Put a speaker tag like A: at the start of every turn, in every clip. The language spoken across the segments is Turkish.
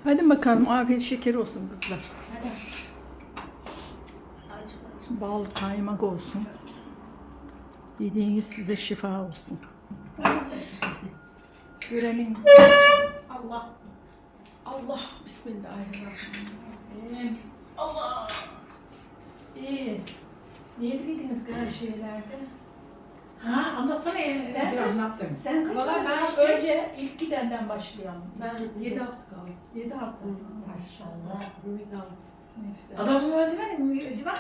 A: Hadi bakalım afiyet şeker olsun kızlar.
B: Hadi.
A: Bal kaymak olsun. Yediğiniz size şifa olsun. Görenin
B: Allah.
A: Allah bismillahirrahmanirrahim. Allah. İyi. Niye bildiniz kadar şeylerde?
B: Ha, anlatsana ya.
A: Sen kaç-
B: anlattın.
A: Sen kaç
B: Valla
A: ay
B: ben
A: var?
B: işte-
A: Önce ilk gidenden başlayalım.
C: Ben 7 hafta kaldım.
A: 7 hafta.
C: Maşallah. Ümit aldım.
A: Neyse.
B: Adamı özlemedin mi Civan?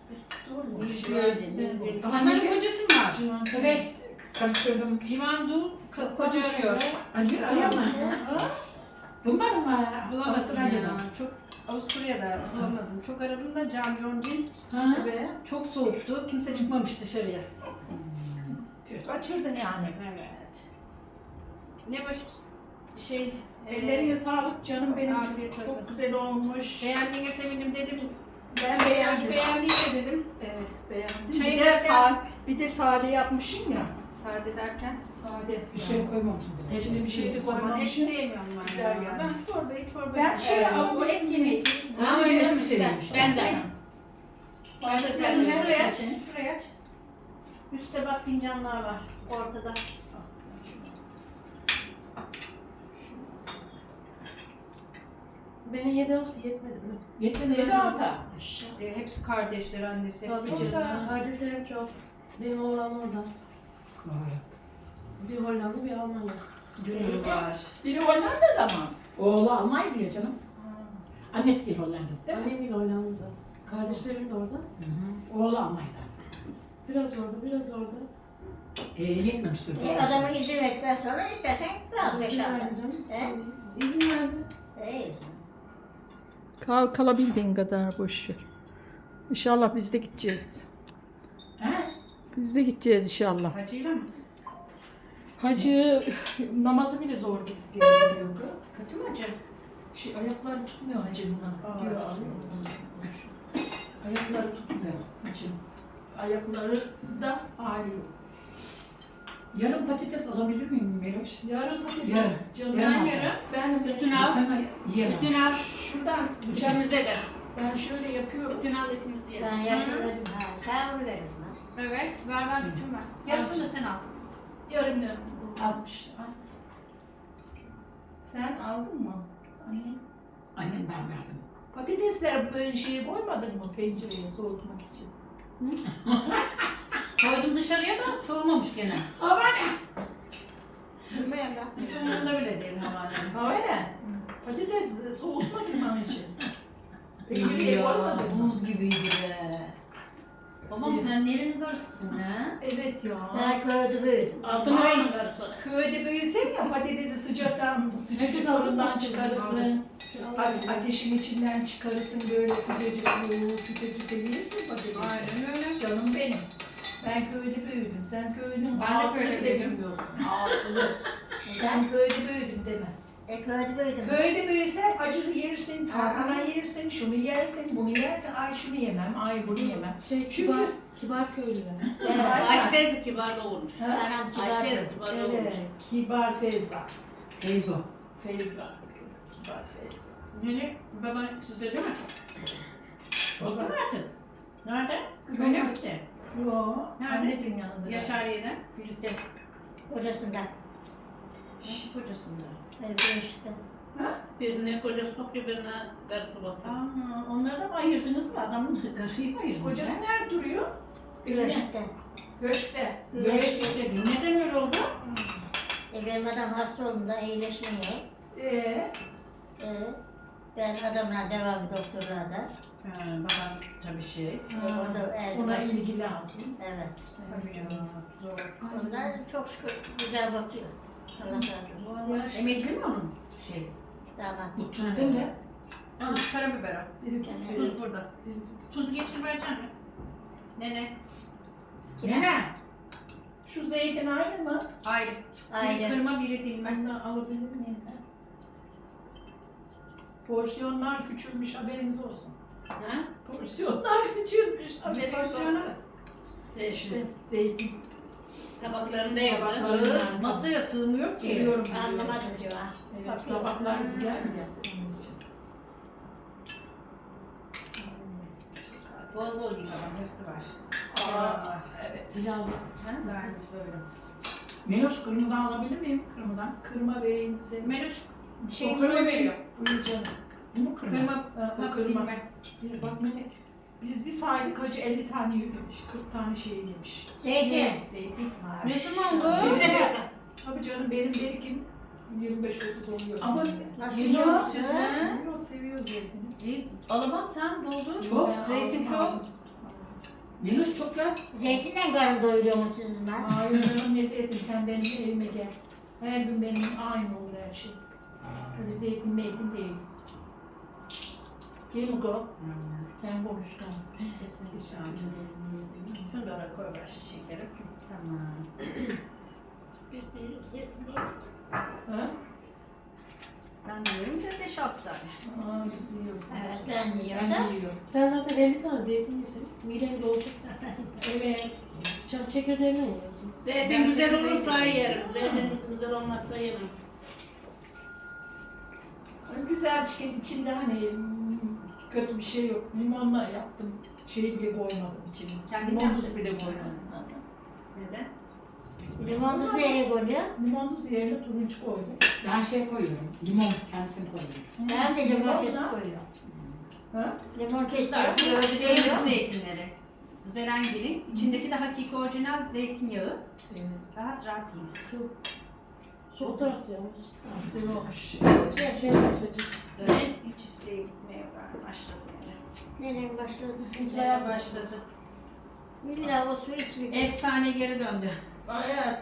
B: Adamın kocası mı var? Evet.
C: Karıştırdım.
B: Civan Dul koca arıyor.
C: Acı ayağım. Bulmadın mı?
B: Bulamadım
C: Avustralya'da.
B: ya. Çok Avusturya'da bulamadım. Çok aradım da Cam Joncin
A: Ve
B: çok soğuktu. Kimse çıkmamış dışarıya.
A: kaçırdın yani.
B: Evet. Ne baş şey
A: Ellerine sağlık canım benim.
B: Afiyet
A: Çok
B: olsun.
A: güzel olmuş.
B: beğendiğine sevindim dedim.
A: Ben beğendim.
B: Beğendiyse dedim.
A: Evet beğendim.
B: Çayı
A: bir de
B: derken-
A: bir de sade yapmışım ya.
B: Sade derken.
A: Sade.
C: Bir şey koymamışım.
A: Hepsini bir şey de
B: Et
A: koymamışım.
B: sevmiyorum ben.
A: Güzel
B: ya.
A: yani.
B: Ben çorba.
A: Ben şey
B: o et yemeği.
C: Ha, öyle mi sevmiş?
B: Ben de.
A: Ben de
B: Şuraya aç. Şuraya aç. Üstte bak fincanlar var. Ortada.
C: Beni 7 hafta yetmedi mi?
A: Yetmedi 7 hafta.
B: Hepsi kardeşler, annesi.
C: Tabii
B: Hepsi
C: canım. Kardeşlerim çok. Benim oğlan orada. Bir Hollanda, bir Almanya.
B: Dünür var.
A: Biri Hollanda'da mı?
C: Oğlu Almanya diyor canım. Annesi gibi Hollanda.
A: Değil mi?
C: Annem gibi Hollanda'da. Kardeşlerim de orada.
A: Oğlu Almanya'da.
C: Biraz orada, biraz orada.
A: Yetmemiştir.
D: Adamın izin verdikten sonra istersen kal 5
C: İzin
D: hafta.
C: verdi canım.
D: He?
C: İzin verdi.
D: İyi.
A: Kalabildiğin kadar boş ver. İnşallah biz de gideceğiz.
C: He?
A: Biz de gideceğiz inşallah.
B: Hacıyla mı?
A: Hacı namazı bile zor gidip geliyordu.
B: Kötü mü hacı?
A: Ayakları tutmuyor hacı buna. Diyor alıyor. Ayakları tutmuyor hacı. Ayakları da ağrıyor.
C: Yarım patates alabilir miyim Meloş?
A: Yarın patates.
C: Yarın.
A: Canım.
C: Yarın
B: Ben
C: alacağım.
B: yarım.
A: Ben
B: Bütün al.
C: Sana yiyemem.
B: Bütün al.
A: Şuradan bıçak.
B: İkimize de.
A: Ben şöyle yapıyorum.
B: Bütün al ikimiz yiyelim.
D: Ben yarısını verdim. Ha, sen bunu veriyorsun ha.
B: Evet. Ver bütün ver. Yarısını da sen al.
A: Yarım almış. Sen aldın mı? Anne.
C: Annem ben verdim.
A: Patatesler böyle şeye koymadın mı pencereye soğutmak için?
B: Koydum dışarıya da soğumamış gene.
D: Bilmiyorum ben.
B: Hiç umurumda bile değil havanem.
A: Öyle. Patates soğutmadın mı onun için? Pencereye koymadın mı?
B: Buz gibiydi be. Babam sen nerenin karşısın ha?
A: Evet ya.
D: Ben köyde büyüdüm.
B: Altın ayın karşısın.
A: Köyde büyüsen ya patatesi sıcak fırından çıkarırsın. Ateşin içinden çıkarırsın böyle sıcacık küpe yersin patatesi.
B: Aynen öyle.
A: Canım benim. Ben köyde büyüdüm. Sen köyünün
B: Ben de
A: ağzını
B: köyde
A: bile
B: büyüdüm.
A: bilmiyorsun. Ağzını. Sen köyde büyüdün deme.
D: Köyde büyüdüm.
A: Köyde büyüsen acılı yersin, tarhana yersin, şunu yersin, bunu yersin. Ay şunu yemem, ay bunu yemem.
C: Şey kibar köylüler.
D: Evet.
B: Ayşe teyze kibar doğurmuş.
A: Ha?
D: Anam
B: Ayşe
D: kibar.
B: teyze kibar doğurmuş.
A: Evet, kibar Feyza.
C: Teyze.
A: Feyza. Kibar Feyza.
B: Hani baban size değil mi?
A: Baba.
B: Gitti mi artık? Nerede?
A: Kızım
B: Öyle
A: yok.
B: mi gitti?
A: Yo,
B: Nerede?
A: annesinin yanında.
B: Yaşariye'den birlikte.
D: Kocasından.
B: Nasıl kocasında?
D: Evet işte.
E: Birine kocası bakıyor, birine karısı bakıyor.
B: Aa, onları da mı ayırdınız mı? Adamın karıyı mı ayırdınız?
A: Kocası nerede duruyor?
D: Güneşten.
A: Köşkte.
B: Güneşte. Neden öyle oldu?
D: Benim adam hasta olduğunda iyileşmiyor. Ben adamla devam doktorluğa da.
B: Babam tabii şey.
D: O da
A: Ona ilgi lazım.
D: Evet.
B: Tabii ya. Zor.
D: Onlar çok şükür güzel bakıyor. Allah razı olsun.
B: Emekli mi onun? Şey.
D: Damat.
C: Bu tuz değil mi?
B: Aa, karabiber al.
D: Evet.
B: Tuz burada. Tuz geçir vereceksin mi? Nene.
A: Nene. Şu zeytin aynı mı?
B: Ayrı.
D: Ayrı.
B: Biri kırma biri dilme.
A: Ben de alabilir miyim? Porsiyonlar küçülmüş haberiniz olsun.
B: Ha?
A: Porsiyonlar küçülmüş haberiniz
B: Porsiyonu?
A: olsun. İşte zeytin.
E: Tabaklarında
A: Tabaklarında.
E: yaptı.
B: Masaya sığmıyor ki.
A: Biliyorum.
D: Anlamadım cevap.
A: Evet, tabaklar güzel ya. Onun için.
B: Bol bol yıkamam. Hepsi var.
A: Aa, evet.
C: Pilavlı.
B: Gayet böyle.
C: Meloş kırmızıdan alabilir miyim? Kırmızıdan.
A: Kırma vereyim güzel.
B: Meluş
C: O
B: şey
C: kırma
B: soy
C: değil.
B: veriyor.
A: Buyur canım.
C: Bu mu kırma?
B: Kırma
A: Ha, o
B: hap
A: kırma.
B: dilime.
A: Bir bak Melek. Biz bir saydık hacı 50 tane yemiş, 40 tane şey yemiş.
D: Zeytin.
A: Zeytin.
B: Ne zaman bu?
A: Bizim- Tabii canım benim berikim 25 oldu doluyor.
C: Ama
D: Nasıl
C: yiyor.
D: yiyorsun?
A: seviyor, seviyor zeytini.
B: İyi. Alamam sen doldur.
C: Çok.
B: Zeytin çok.
C: Meloş çok ya.
D: Zeytinden karın doyuruyor mu sizinle?
A: Hayır canım ne zeytin sen benim evime gel. Her gün benim aynı olur her şey. Öyle zeytin meytin değil. Değil mi Go? Sen konuştun.
B: Kesinlikle. Şunu da oraya koy ver şekeri. Tamam.
E: Biz de zeytin var.
A: Ha?
B: Ben de yiyorum da 5-6 tane.
A: Aa, biz yiyoruz.
D: Evet, ben yiyorum da.
A: Ben yiyorum.
E: Sen zaten 50 tane zeytin yesin. Miden dolacak.
A: Evet.
E: Çekirdeğinden yiyorsun. Zeytin güzel olursa yerim. Zeytin güzel olmazsa yemem.
A: Güzel çıkan içinde hani kötü bir şey yok. Limonla yaptım. Şey bile koymadım içine.
B: Kendin
A: Limon
B: yaptın.
A: tuzu bile koymadım.
B: Neden?
D: Limon tuzu nereye koyuyor?
A: Limon tuzu yerine turuncu koydum.
C: Ben şey koyuyorum. Limon kendisini koyuyorum.
D: Ben de limon
A: Limonla-
D: kesip koyuyorum.
A: Ha?
D: Limon kesip
B: Kızlar
D: böyle
B: şey
D: koyuyor.
B: zeytinleri. Zerengil'in içindeki de hakiki orijinal zeytinyağı.
A: Evet.
B: Rahat rahat yiyin.
E: Şu sol tarafta yalnız.
A: Güzel olmuş.
E: Güzel şey yapacak.
B: Böyle hiç isteğe gitmeye başladım yani.
D: Nereye başladı?
B: Nereye başladı?
D: İlla o su içilecek.
B: Efsane geri döndü.
A: Evet.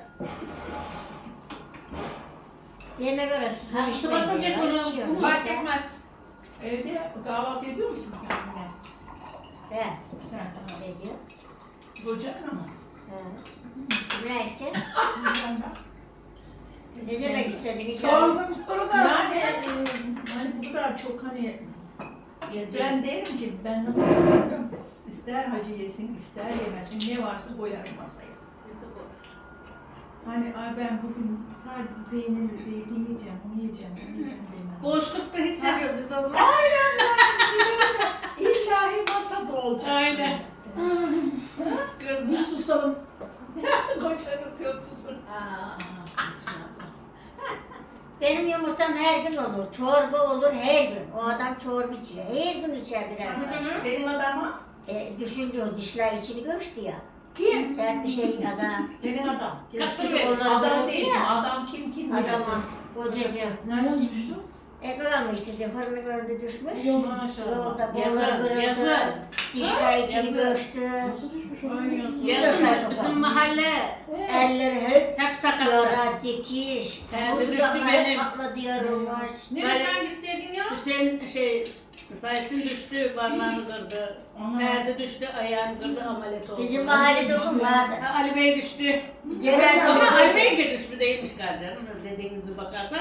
D: Yemek arası su
E: Ha, su
D: içmeyi
E: basınca
D: yiyor,
E: bunu-
D: içiyor.
E: bunu-
B: Fark etmez.
A: Evde kahvaltı ediyor musun sen yine?
D: He,
A: Sen
D: ne diyor?
A: kocan ama.
D: He. Ne edeceksin?
A: Ben de.
D: Ne demek istedin?
A: Sordum soru da. Yani hani bu kadar çok hani ben derim ki ben nasıl yapıyorum? İster hacı yesin, ister yemesin, ne varsa koyarım masaya.
E: Biz de bu.
A: Hani ay ben bugün sadece peynir, zeytin yiyeceğim, onu yiyeceğim, bunu yiyeceğim demem.
E: Boşlukta hissediyoruz biz o zaman.
A: İllahi masada olacak.
E: Aynen.
C: Bir susalım.
A: Kocanız yok susun.
D: Benim yumurtam her gün olur. Çorba olur her gün. O adam çorba içiyor. Her gün içer birer tas.
A: Senin adama
D: Düşünce o dişler içini göçtü ya.
A: kim?
D: Sert bir şey adam.
A: Senin adam.
D: Göçtü
E: Kasım Bey,
D: onları
A: Adam
D: bıraktı
A: değil,
D: ya.
A: adam kim
D: Adama,
A: diyorsun?
D: kocacığım.
A: Nereden düştü?
D: Ekran mıydı? Fırını gördü düşmüş.
A: Maşallah.
D: Yolda
E: Yazın,
D: boğazı kırıldı.
E: yazın.
D: Dişler içini
E: Yazın.
D: göçtü.
E: Nasıl düşmüş o?
B: Yazın bizim mahalle
D: Elleri hep
B: hep sakattı.
D: yara, dikiş.
B: Nerede düştü
D: Dudaklar
B: benim?
D: patladı yarılmış.
B: Neresi hangisiydin ya?
E: Hüseyin Sait'in düştü, parmağını kırdı. Ferdi düştü, ayağını kırdı, ameliyat oldu.
D: Bizim mahallede okul vardı.
E: Ha, Ali Bey düştü.
D: Cenaze
E: Ama
D: oldu.
E: Ali Bey de düşmüş değilmiş garcanım. Dediğinize bakarsan.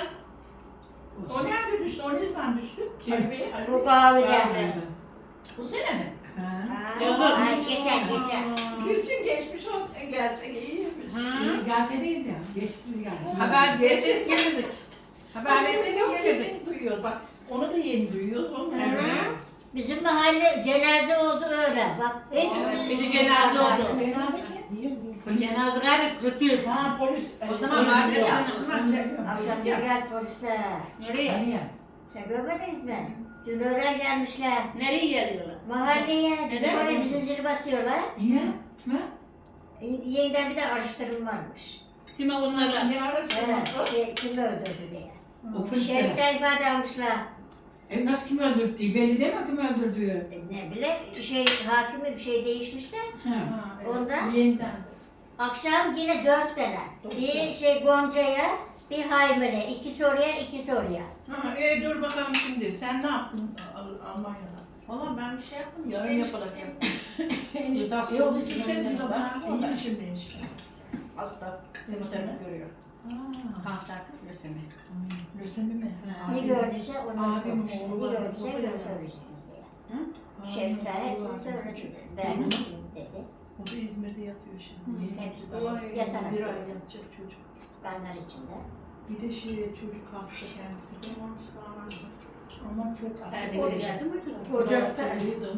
A: O nerede düştü? O ne zaman düştü?
C: Kim?
A: Ali Bey, Ali
D: Bu
A: Bey.
D: kahvede.
A: Bu sene mi?
C: Ha.
E: Yazın.
D: Ay geçen.
A: Gülçin geçmiş olsun gelsek iyiymiş.
C: Gazetedeyiz ya. Geçti yani.
B: Haber versek gelirdik. Haber versek gelirdik.
A: Yeni duyuyoruz bak. Onu da yeni duyuyoruz. Onu da yeni
D: Evet.
A: duyuyoruz.
D: Bizim mahalle cenaze oldu öyle. Bak hepsi
E: Bir de cenaze oldu.
A: Cenaze kim?
E: Niye?
C: Polis.
E: Cenaze gayet kötü.
A: Ha polis.
B: O zaman
A: Polis
B: mahalle
A: yok.
B: yani, o zaman
A: Bilmiyorum.
D: Akşam gel polisler.
E: Nereye?
C: Nereye?
D: Sen görmediniz mi? Dün öğlen gelmişler.
E: Nereye geliyorlar?
D: Mahalleye bizim
E: Neden?
D: oraya bizim zili basıyorlar.
C: Niye? Kime?
D: Yeniden bir de araştırma varmış.
E: Kime onlara?
A: Ne araştırması?
D: Kim öldürdü diye.
C: O polisler.
D: Şerif'ten ifade almışlar.
C: Nasıl kim öldürdü? Belli değil mi kim öldürdüğü?
D: Ne bileyim hakimi bir şey değişmiş de.
C: Ha.
A: Ha, evet.
D: Ondan?
A: Yeniden.
D: Akşam yine 4 tane. Bir Gonca'ya, bir Haymer'e. 2 soruya, 2 soruya.
A: Ha, dur bakalım şimdi. Sen ne yaptın Almanya'da?
B: Valla ben bir şey yapmadım.
A: Yarın
B: Hiçbir
A: yapalım.
B: Enişte
A: İyi oldu için sen bir zaman. İyi şimdi işte.
B: hasta.
A: Ne
B: Lösemi görüyor.
A: Ha,
B: Kanser kız lösemi.
A: lösemi mi?
B: Ha.
D: Ne gördüyse onu
A: Abim
D: sormuş.
A: oğlu
D: Ne
A: var,
D: gördüyse
A: o
D: onu
A: bilemem.
D: söyleyeceğiz diye.
A: Ha,
D: Şerifler
A: oğlu
D: hepsini
A: var.
D: söyledi. Ben dedi.
A: O da İzmir'de yatıyor şimdi. Yeni
D: Hepsi
A: gitti.
D: yatarak.
A: Bir ay yatacak çocuk.
D: Kanlar içinde.
A: Bir de çocuk hasta kendisi de. Ama çok
E: Ferdi geri geldi mi acaba?
D: Kocası da
A: Duydum.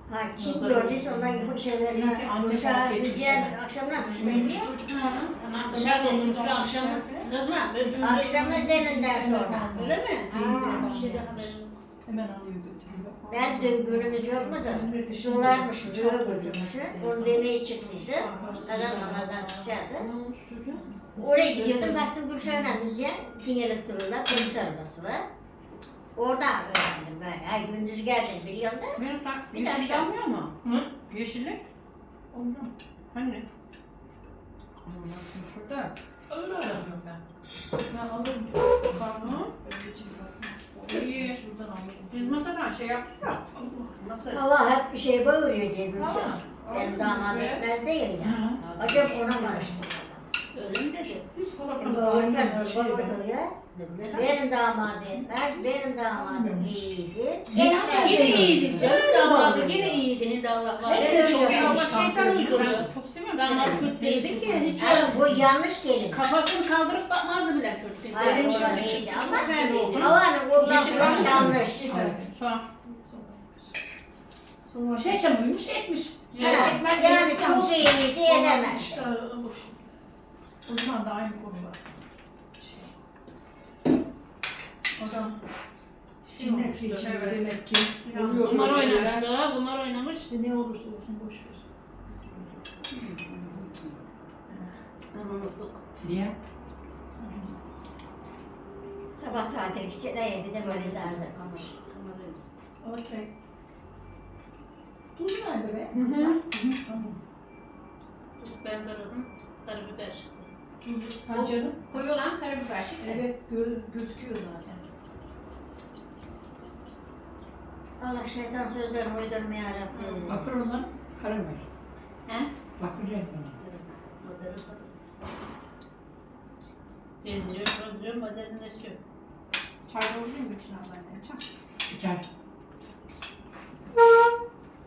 D: Ha, kim
A: Nazar
D: gördüyse
A: oldu.
D: ondan şeylerine,
A: Anne
D: kuşağı,
A: fark etmiş
D: müziğe
A: yani.
D: akşamına atıştaymış.
E: Anam dışarıda olmuştu akşamın. Ne zaman?
D: Akşam ezanından sonra.
E: Öyle mi?
D: Ha.
E: Bir şeyde haberim yok.
A: Hemen alıyor götürüyor.
D: Ben dün günümüz yok mu da dolarmış, rüya götürmüş. Onu demeye çıkmıştı. Adam namazdan çıkacaktı.
A: Ne olmuş çocuğa?
D: Oraya gidiyordum, baktım Gülşah'la müziğe dingelip dururlar, polis arabası var. Oradan öğrendim ben. Ay gündüz geldin biliyorum da.
B: Benim tak
D: Bir
B: yeşillik
D: dakika.
B: almıyor mu?
A: Hı?
B: Yeşillik?
A: Ondan.
B: Hani? Olmasın şurada.
A: Öyle alıyorum ben. Ben alırım.
B: Pardon.
A: Öyle çıkartma.
B: İyi.
A: Şuradan alırım.
B: Biz masadan şey yaptık da. Masa.
D: Hava hep bir şeye bağırıyor diye Gülşah.
B: Tamam.
D: Benim damat etmez değil ya.
A: Hı.
D: Acaba ona mı araştırdım?
E: Öyle mi dedi?
A: Biz salatalık
D: Bağırırken
A: aynı şey.
D: bağırıyor ya. Benim damadım etmez, benim damadım iyiydi.
E: Yine
D: Etmez.
E: iyiydi canım damadı yine iyiydi Hindi Allah var.
D: Ne görüyorsun?
E: Allah şeytan uyduruyor.
B: Çok seviyorum.
E: Damat Kürt değildi ki hiç
D: Ay, bu yanlış kelime.
E: kafasını kaldırıp bakmazdı bile çocuk.
D: Hayır,
E: Benim
D: orada
E: şimdi
D: iyiydi
E: çıktı
D: ama
E: ferdiydi.
D: havanın kullanımı yanlış.
B: Sonra.
A: Sonra
C: Şey çamurmuş etmiş.
D: Ha, yani çok iyiydi edemez.
A: İşte boş. Uzman da aynı konu var. Adam cinnet geçiyor demek ki. Oluyor
E: Kumar
A: böyle
E: oynamış
A: şeyler.
E: da, kumar oynamış.
A: İşte ne olursa olsun boş ver.
E: Onu unuttuk.
C: Niye?
D: Sabah tatil için bir de valiz hazırlamış.
A: Okey. Tuz nerede be? Tamam.
E: Ben aradım. Karabiber.
A: Tuz. Ha canım.
B: Koyu olan karabiber şimdi.
A: Evet gözüküyor zaten.
D: Allah şeytan sözlerini uydurmaya Rabbim.
C: Bakır olan karabiber.
E: He?
C: Bakır renkli.
E: Benziyor, benziyor, modernleşiyor.
B: Çay doldurayım mı içine ben de? Çay.
C: İçer.